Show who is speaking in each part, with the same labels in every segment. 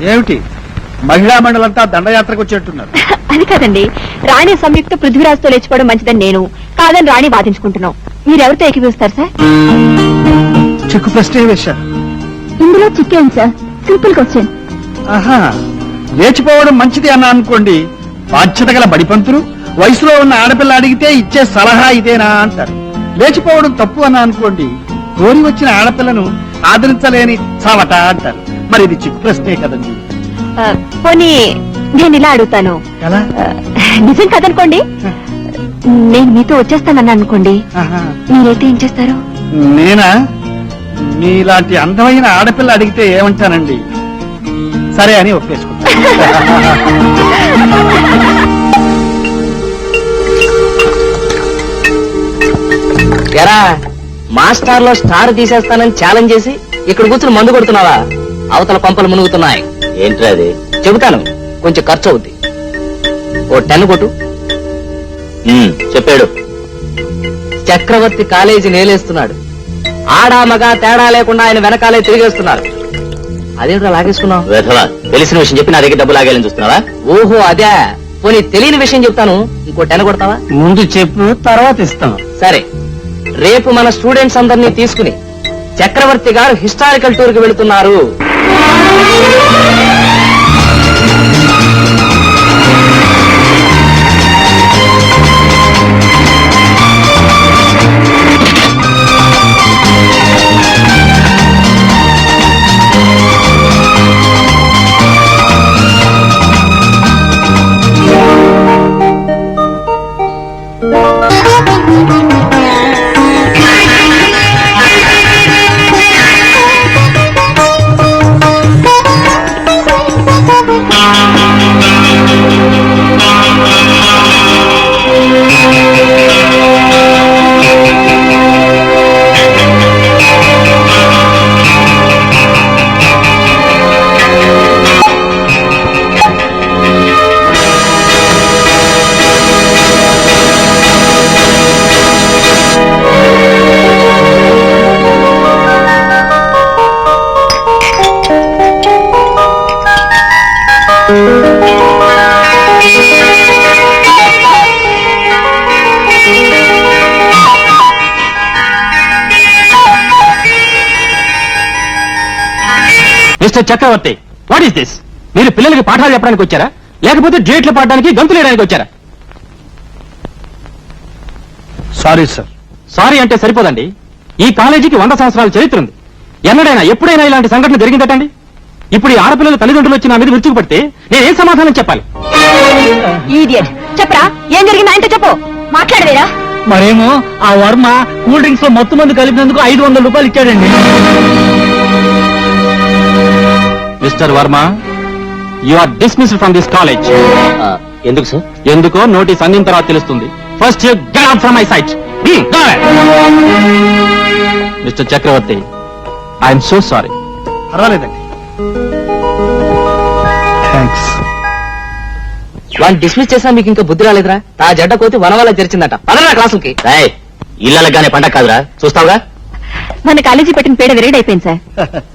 Speaker 1: ఏమిటి మహిళా మండలంతా దండయాత్రకు వచ్చేట్టున్నారు?
Speaker 2: అది కాదండి, రాణి సంయుక్త పృథ్వీరాజ్తో లేచిపోవడం మంచిదని నేను, కాదని రాణి వాదించుకుంటున్నాం. మీరెవరితో ఏకీపిస్తారు సార్?
Speaker 1: చిక్కు ప్రశ్నే వేశారు.
Speaker 2: ఇందులో చిక్కేం సార్, సింపుల్ క్వశ్చన్.
Speaker 1: ఆహా, లేచిపోవడం మంచిది అన్నా అనుకోండి, బాధ్యత గల బడిపంతులు వయసులో ఉన్న ఆడపిల్ల అడిగితే ఇచ్చే సలహా ఇదేనా అంటారు. లేచిపోవడం తప్పు అన్నా అనుకోండి, కోరి వచ్చిన ఆడపిల్లను ఆదరించలేని చావట అంటారు. మరి ఇది చిక్కు ప్రశ్నే కదండి.
Speaker 2: పోనీ నేను ఇలా అడుగుతాను,
Speaker 1: ఎలా?
Speaker 2: నిజం కదనుకోండి, నేను మీతో వచ్చేస్తానన్నా అనుకోండి,
Speaker 1: ఆహా.
Speaker 2: మీరైతే ఏం చేస్తారు?
Speaker 1: నేనా? మీలాంటి అందమైన ఆడపిల్ల అడిగితే ఏమంటానండి, సరే అని ఒప్పేసుకుంటా.
Speaker 3: ఎరా మాస్టార్ లో స్టార్ తీసేస్తానని ఛాలెంజ్ చేసి ఇక్కడ కూర్చుని మందు కొడుతున్నావా? అవతల పంపలు మునుగుతున్నాయి. ఏంట్రా అది? చెబుతాను, కొంచెం ఖర్చు అవుద్ది. ఓ 10 కొట్టు. చెప్పాడు. చక్రవర్తి కాలేజీ నేలేస్తున్నాడు. ఆడా మగా తేడా లేకుండా ఆయన వెనకాలే తిరిగేస్తున్నారు. అదేంట్రా లాగేసుకున్నావు? తెలిసిన విషయం చెప్పి నా దగ్గర డబ్బు లాగేయాలని చూస్తున్నావా? ఓహో అదే. పోనీ తెలియని విషయం చెప్తాను, ఇంకో 10 కొడతావా?
Speaker 1: ముందు చెప్పు, తర్వాత ఇస్తాం.
Speaker 3: సరే, రేపు మన స్టూడెంట్స్ అందరినీ తీసుకుని చక్రవర్తి గారు హిస్టారికల్ టూర్ కి వెళుతున్నారు.
Speaker 4: Mister Chakravarthi, what is this? మీరు పిల్లలకి పాఠాలు చెప్పడానికి వచ్చారా, లేకపోతే డేట్లు పాడడానికి గంతులు వేయడానికి వచ్చారా?
Speaker 1: Sorry sir.
Speaker 4: సారీ అంటే సరిపోదండి. ఈ కాలేజీకి 100 సంవత్సరాల చరిత్ర ఉంది. ఎన్నడైనా ఎప్పుడైనా ఇలాంటి సంఘటన జరిగిందటండి? ఇప్పుడు ఈ ఆడపిల్లల తల్లిదండ్రులు వచ్చి నా మీద విరుచుకుపడితే నేనేం సమాధానం చెప్పాలి?
Speaker 2: ఈడియట్, చెప్పరా ఏం జరిగింది ఆయనతో చెప్పు. మాట్లాడవేరా?
Speaker 5: మరేమో ఆ వర్మ కూల్ డ్రింక్స్ లో మొత్తం మంది కలిపినందుకు 500 రూపాయలు ఇచ్చాడండి.
Speaker 4: Mister Varma, you are dismissed from this college.
Speaker 3: ఎందుకు సార్?
Speaker 4: ఎందుకో నోటీస్ అందిన తర్వాత తెలుస్తుంది. First you get out from my sight. Mister Chakravarthi, I'm so sorry.
Speaker 1: పర్వాలేదండి, థ్యాంక్స్.
Speaker 3: వాడిని డిస్మిస్ చేసినా మీకు ఇంకా బుద్ధి రాలేదురా? ఆ జడ్డ కోతి వన వల్ల తెరిచిందట. పదరా క్లాసులకి. ఇళ్ళగానే పంట కాదురా, చూస్తావుగా.
Speaker 2: మన కాలేజీ పెట్టిన పేడ విరేడైపోయింది సార్.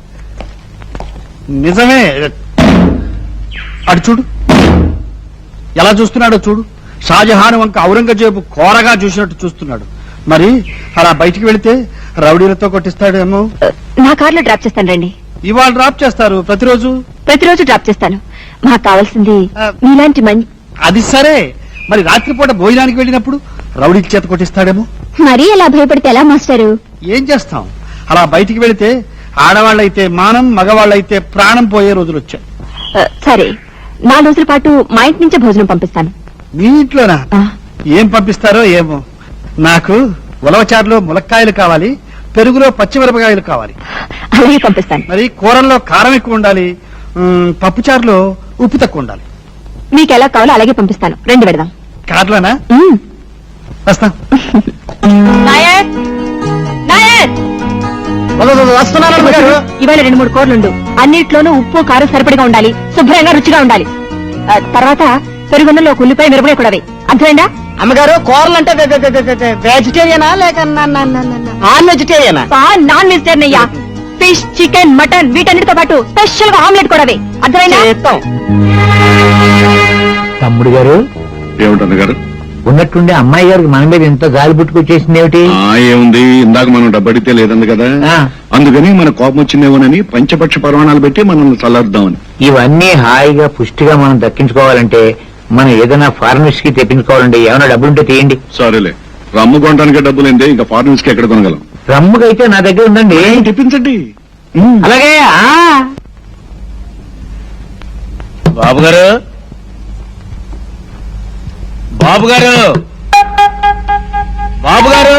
Speaker 1: నిజమే. అటు చూడు, ఎలా చూస్తున్నాడో చూడు. షాజహాన్ వంక ఔరంగజేబు కోరగా చూసినట్టు చూస్తున్నాడు. మరి అలా బయటికి వెళితే రౌడీలతో కొట్టిస్తాడేమో.
Speaker 2: నా కార్లో డ్రాప్ చేస్తాను రండి.
Speaker 1: ఇవాళ డ్రాప్ చేస్తారు? ప్రతిరోజు
Speaker 2: డ్రాప్ చేస్తాను. మాకు కావాల్సింది మీలాంటి మంచి.
Speaker 1: అది సరే, మరి రాత్రిపూట భోజనానికి వెళ్ళినప్పుడు రౌడీల చేత కొట్టిస్తాడేమో.
Speaker 2: మరీ అలా భయపడితే ఎలా మాస్టారు?
Speaker 1: ఏం చేస్తాం, అలా బయటికి వెళితే ఆడవాళ్ళైతే మానం, మగవాళ్ళైతే ప్రాణం పోయే రోజులు వచ్చాయి.
Speaker 2: సరే, 4 రోజుల పాటు మా ఇంటి నుంచే భోజనం పంపిస్తాను.
Speaker 1: మీ ఇంట్లోనా? ఏం పంపిస్తారో ఏమో. నాకు ఉలవచారులో ములక్కాయలు కావాలి, పెరుగులో పచ్చిమిరపకాయలు కావాలి.
Speaker 2: అలాగే పంపిస్తాను.
Speaker 1: మరి కూరల్లో కారం ఎక్కువ ఉండాలి, పప్పుచారులో ఉప్పు తక్కువ ఉండాలి.
Speaker 2: మీకు ఎలా కావాలో అలాగే పంపిస్తాను. రండి పెడదాం.
Speaker 1: కార్లోనా? వస్తాం.
Speaker 2: ఇవాళ 2-3 కూరలుండు. అన్నిట్లోనూ ఉప్పు కారం సరిపడిగా ఉండాలి, శుభ్రంగా రుచిగా ఉండాలి. తర్వాత పెరుగున్నలో ఉల్లిపాయ మిరపకాయ కూడా అర్థమైందా?
Speaker 3: అమ్మగారు, కూరలు అంటే వెజిటేరియనా లేక నాన్ వెజిటేరియనా?
Speaker 2: నాన్ వెజిటేరియన్ అయ్యా. ఫిష్, చికెన్, మటన్ వీటన్నిటితో పాటు స్పెషల్ గా ఆమ్లెట్ కూడా వేయి. అర్థమైందా?
Speaker 3: చేస్తాం.
Speaker 5: తమ్ముడు గారు
Speaker 6: ఏమిటన్న గారు?
Speaker 5: ఉన్నట్టుండి అమ్మాయి గారికి మన మీద ఎంత గాలి పుట్టుకొచ్చేసింది ఏమిటి?
Speaker 6: ఏముంది, ఇందాక మనం డబ్బడితే లేదంది కదా,
Speaker 5: ఆ.
Speaker 6: అందుకని మన కోపం వచ్చిందేమోనని పంచపక్ష పరమాణాలు పెట్టి మనల్ని చల్లార్దామని.
Speaker 5: ఇవన్నీ హాయిగా పుష్టిగా మనం దక్కించుకోవాలంటే మనం ఏదైనా ఫారెనర్స్ కి తెప్పించుకోవాలండి. ఏమైనా డబ్బులుంటే తీయండి.
Speaker 6: సరేలే, రమ్ము కొనడానికి డబ్బులేందే, ఇంకా ఫారినర్స్ కి ఎక్కడ కొనగలం?
Speaker 5: రమ్ముకైతే నా దగ్గర ఉందండి.
Speaker 6: తెప్పించండి.
Speaker 5: అలాగే.
Speaker 3: బాబు గారు, బాబు గారు, బాబు గారు,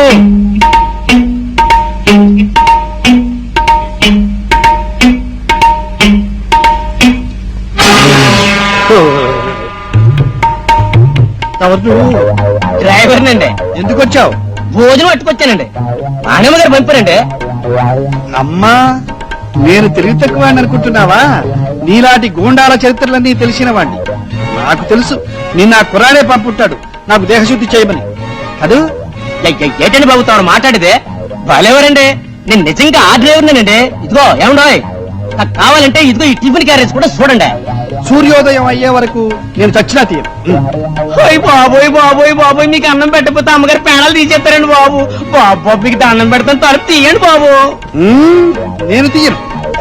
Speaker 3: డ్రైవర్ నండి.
Speaker 1: ఎందుకు వచ్చావు?
Speaker 3: భోజనం పట్టుకొచ్చానండి. నానమ్మ గారు పంపారండి.
Speaker 1: అమ్మా, నేను తెలివి తక్కువ అనుకుంటున్నావా? నీలాంటి గూండాల చరిత్రలన్నీ తెలిసిన వాణ్ణి. నాకు తెలుసు నిన్న ఆ కుర్రాడే పంపుంటాడు నాకు దేహశుద్ధి చేయమని. అదు
Speaker 3: ఏంటండి బాబు తాను మాట్లాడితే? బాలేవరండి, నేను నిజంగా ఆ డ్రైవర్నేనండి. ఇదిగో ఏమండోయ్, నాకు కావాలంటే ఇదిగో ఈ టిఫిన్ క్యారేజ్ కూడా చూడండి.
Speaker 1: సూర్యోదయం అయ్యే వరకు నేను చచ్చినా తీయను.
Speaker 3: బాబోయ్ బాబోయ్ బాబోయ్, మీకు అన్నం పెట్టకపోతే అమ్మగారు పేణాలు తీసేస్తారండి బాబు. బాబు మీకు అన్నం పెడతాను, తలుపు తీయండి బాబు.
Speaker 1: నేను తీయను.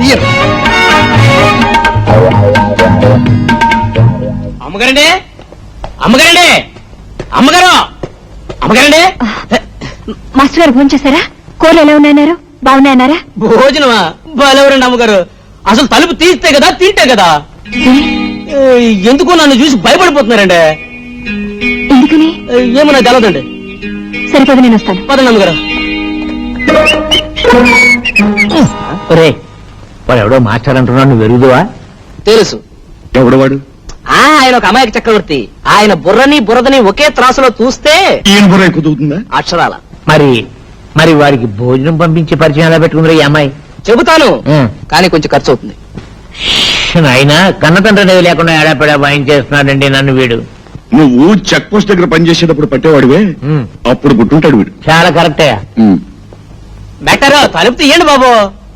Speaker 3: అమ్మగారండి, అమ్మగారండి, అమ్మగారు, అమ్మగారండి.
Speaker 2: మాస్టర్ గారు భోజనం చేశారా? కూరలు ఎలా ఉన్నాయన్నారు? బాగున్నాయన్నారా?
Speaker 3: భోజనమా? బాలేవరండి అమ్మగారు. అసలు తలుపు తీస్తే కదా తింటే కదా. ఎందుకు నన్ను చూసి భయపడిపోతున్నారండి?
Speaker 2: ఎందుకని?
Speaker 3: ఏమో నాకు తెలదండి.
Speaker 2: సరిపోదు, నేను వస్తాను.
Speaker 3: పదండి అమ్మగారు.
Speaker 5: ఒరే, వాడు ఎవడో మాస్టర్ అంటున్నాడు, నువ్వు వెరుగుదువా?
Speaker 3: తెలుసు.
Speaker 6: ఎవడు వాడు?
Speaker 3: ఆయన ఒక అమాయక చక్రవర్తి. ఆయన బుర్రని బురదని ఒకే త్రాసులో చూస్తే
Speaker 6: ఈయన బుర్ర ఎక్కువ తూగుతుందా?
Speaker 3: అక్షరాల.
Speaker 5: మరి వారికి భోజనం పంపించే పరిచయం ఎలా పెట్టుకుందిరా ఈ అమ్మాయి?
Speaker 3: చెబుతాను, కానీ కొంచెం ఖర్చు అవుతుంది.
Speaker 5: ఆయన కన్నతండ్రి అనేది లేకుండా ఏడాపెడా వాయించేస్తున్నాడండి నన్ను వీడు.
Speaker 6: నువ్వు చెక్ పోస్ట్ దగ్గర పనిచేసేటప్పుడు పట్టేవాడివే,
Speaker 5: ఉమ్,
Speaker 6: అప్పుడు పుట్టుంటాడు వీడు.
Speaker 5: చాలా కరెక్టే.
Speaker 3: బెటర్ తలుపు తీయండి బాబు.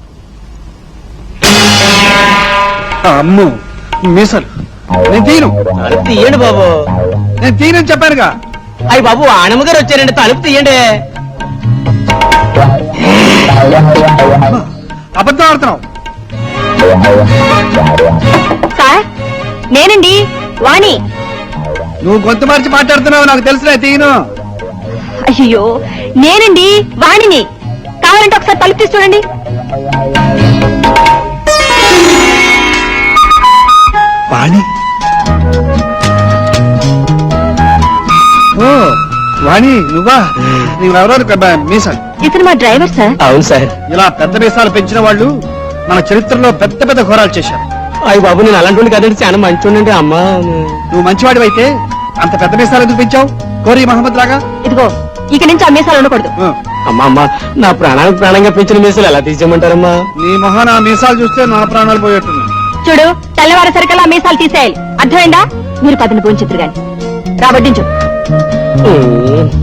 Speaker 1: అమ్ము మీసలు నేను తీయను.
Speaker 3: తలుపు తీయండి బాబు.
Speaker 1: నేను తీయనని చెప్పానుగా.
Speaker 3: అయ్యి బాబు, ఆనమ్మ గారు వచ్చారండి, తలుపు తీయండి.
Speaker 1: అబద్ధం ఆడుతున్నావు.
Speaker 2: సార్, నేనండి వాణి.
Speaker 1: నువ్వు గొంతు మార్చి మాట్లాడుతున్నావు, నాకు తెలుసులే. తీయను.
Speaker 2: అయ్యో, నేనండి వాణిని. కావాలంటే ఒకసారి తలుపు తీసి చూడండి.
Speaker 1: వాణి? ఓ వాణి, నువ్వా? నువ్వెవరో మీసాలు.
Speaker 2: ఇతను మా డ్రైవర్ సార్.
Speaker 3: అవును సార్.
Speaker 1: ఇలా పెద్ద మీసాలు పెంచిన వాళ్ళు మన చరిత్రలో పెద్ద పెద్ద ఘోరాలు చేశారు.
Speaker 3: అయ్యి బాబు, నేను అలాంటి కదండి, చాలా మంచి అమ్మా.
Speaker 1: నువ్వు మంచివాడివైతే అంత పెద్ద మీసాలు ఎందుకు పెంచావు? కోరి మహమ్మద్ లాగా.
Speaker 2: ఇదిగో, ఇక నుంచి అమ్మేసాలు ఉండకూడదు.
Speaker 3: అమ్మా అమ్మా, నా ప్రాణానికి ప్రాణంగా పెంచిన మీసాలు ఎలా తీసేయమంటారమ్మా?
Speaker 1: నీ మొహన ఆ మీసాలు చూస్తే నా ప్రాణాలు పోయేట్టున్నాయి.
Speaker 2: చూడు, తెల్లవారేసరికల్లా మీసాలు తీసేయాలి. అర్థమైందా? మీరు పదని భోంచిత్రు గాని రాబట్టించు.